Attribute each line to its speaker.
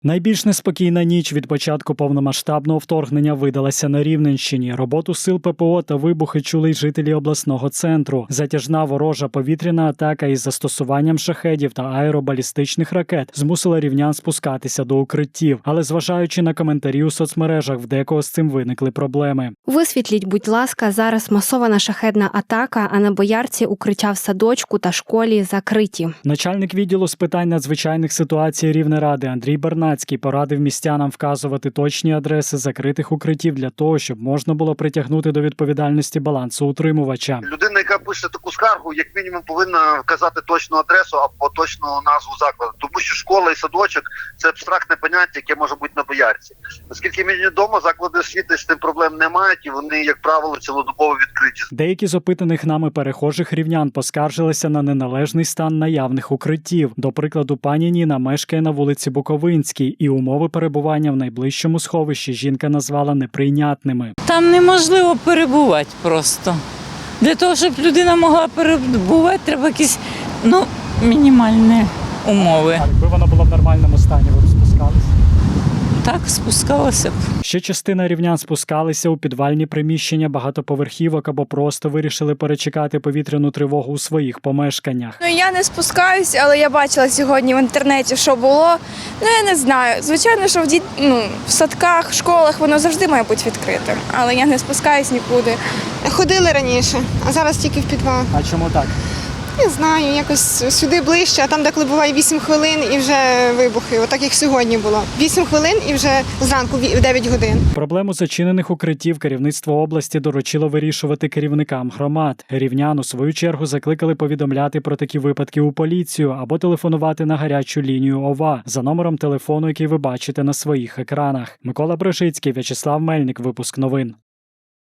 Speaker 1: Найбільш неспокійна ніч від початку повномасштабного вторгнення видалася на Рівненщині. Роботу сил ППО та вибухи чули й жителі обласного центру. Затяжна ворожа повітряна атака із застосуванням шахедів та аеробалістичних ракет змусила рівнян спускатися до укриттів. Але зважаючи на коментарі у соцмережах, в декого з цим виникли проблеми.
Speaker 2: Висвітліть, будь ласка, зараз масована шахедна атака, а на Боярці укриття в садочку та школі закриті.
Speaker 1: Начальник відділу з питань надзвичайних ситуацій Рівнеради Андрій Бернацький порадив містянам вказувати точні адреси закритих укриттів для того, щоб можна було притягнути до відповідальності балансоутримувача.
Speaker 3: Людина, яка пише таку скаргу, як мінімум повинна вказати точну адресу або точну назву закладу. Тому що школа і садочок – це абстрактне поняття, яке може бути на Боярці. Наскільки мені відомо, заклади освіти з тим проблем не мають і вони, як правило, цілодобово відкриті.
Speaker 1: Деякі з опитаних нами перехожих рівнян поскаржилися на неналежний стан наявних укриттів. До прикладу, пані Ніна мешкає на вулиці Буковинській, і умови перебування в найближчому сховищі жінка назвала неприйнятними.
Speaker 4: Там неможливо перебувати просто. Для того, щоб людина могла перебувати, треба якісь мінімальні умови.
Speaker 1: А якби вона була в нормальному стані, ви б спускалися?
Speaker 4: Так, спускалася б.
Speaker 1: Ще частина рівнян спускалися у підвальні приміщення багатоповерхівок або просто вирішили перечекати повітряну тривогу у своїх помешканнях.
Speaker 5: Я не спускаюсь, але я бачила сьогодні в інтернеті, що було. Я не знаю. Звичайно, що в садках, школах воно завжди має бути відкритим. Але я не спускаюсь нікуди.
Speaker 6: Ходили раніше, а зараз тільки в підвал.
Speaker 1: А чому так?
Speaker 6: Не знаю, якось сюди ближче, а там деколи буває 8 хвилин і вже вибухи, отак як сьогодні було. 8 хвилин і вже зранку в 9 годин.
Speaker 1: Проблему зачинених укриттів керівництво області доручило вирішувати керівникам громад. Рівнян, у свою чергу, закликали повідомляти про такі випадки у поліцію або телефонувати на гарячу лінію ОВА за номером телефону, який ви бачите на своїх екранах. Микола Брижицький, В'ячеслав Мельник, випуск новин.